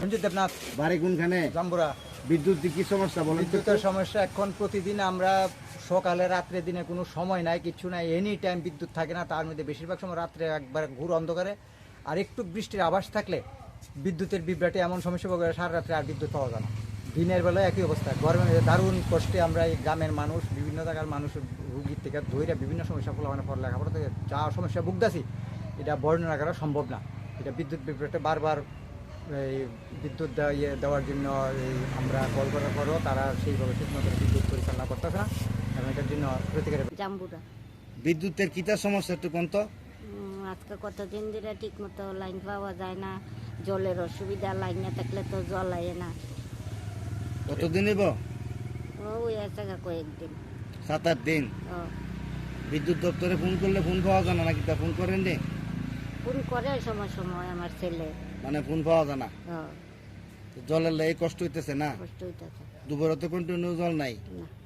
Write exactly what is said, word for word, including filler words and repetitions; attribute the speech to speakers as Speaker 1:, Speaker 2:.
Speaker 1: মঞ্জু দেবনাথ।
Speaker 2: বাড়ি কোনখানে?
Speaker 1: জাম্বুরা।
Speaker 2: বিদ্যুৎ কি সমস্যা বলেন?
Speaker 1: বিদ্যুতের সমস্যা এখন প্রতিদিন আমরা সকালে রাত্রে দিনে কোনো সময় নাই, কিচ্ছু নাই, এনি টাইম বিদ্যুৎ থাকে না। তার মধ্যে বেশিরভাগ সময় রাত্রে একবার ঘুর অন্ধকারে, আর একটু বৃষ্টির আভাস থাকলে বিদ্যুতের বিভ্রাটে এমন সমস্যা পাওয়া যায় সারা রাত্রে আর বিদ্যুৎ পাওয়া যায় না। দিনের বেলায় একই অবস্থা। গরমের দারুণ কষ্টে আমরা এই গ্রামের মানুষ, বিভিন্ন জায়গার মানুষ রুগীর থেকে ধৈর্য বিভিন্ন সমস্যা ফলে মানে পড়া লেখাপড়া থেকে যা সমস্যা ভুগতাছি এটা বর্ণনা করা সম্ভব না। এটা বিদ্যুৎ বিভ্রাটে বারবার এই বিদ্যুৎ দেওয়া ইয়ে দেওয়ার জন্য এই আমরা কল করার পরও তারা সেইভাবে ঠিকমতো বিদ্যুৎ পরিচালনা করতেছে না, এবং এটার জন্য প্রতিকারের।
Speaker 3: জাম্বুরা।
Speaker 2: বিদ্যুতের কিতা সমস্যা একটু কোন তো?
Speaker 3: উম, আজকে কতদিন ধরে ঠিক মতো লাইন পাওয়া যায় না, জলের অসুবিধা, লাইন না থাকলে তো জল আয় না।
Speaker 2: কতদিন হইব?
Speaker 3: ওই আছে কয়েকদিন।
Speaker 2: সাত আট দিন।
Speaker 3: ও
Speaker 2: বিদ্যুৎ দপ্তরে ফোন করলে ফোন পাওয়া যায় না নাকি? তা ফোন করেন নি?
Speaker 3: ফোন করে সময় সময় আমার ছেলে।
Speaker 2: মানে ফোন পাওয়া যায় না।
Speaker 3: ও
Speaker 2: জলের লাই কষ্ট হইতেছে না?
Speaker 3: কষ্ট হইতেছে
Speaker 2: দুপুরে তো কন্টিনিউ জল নাই।
Speaker 3: না।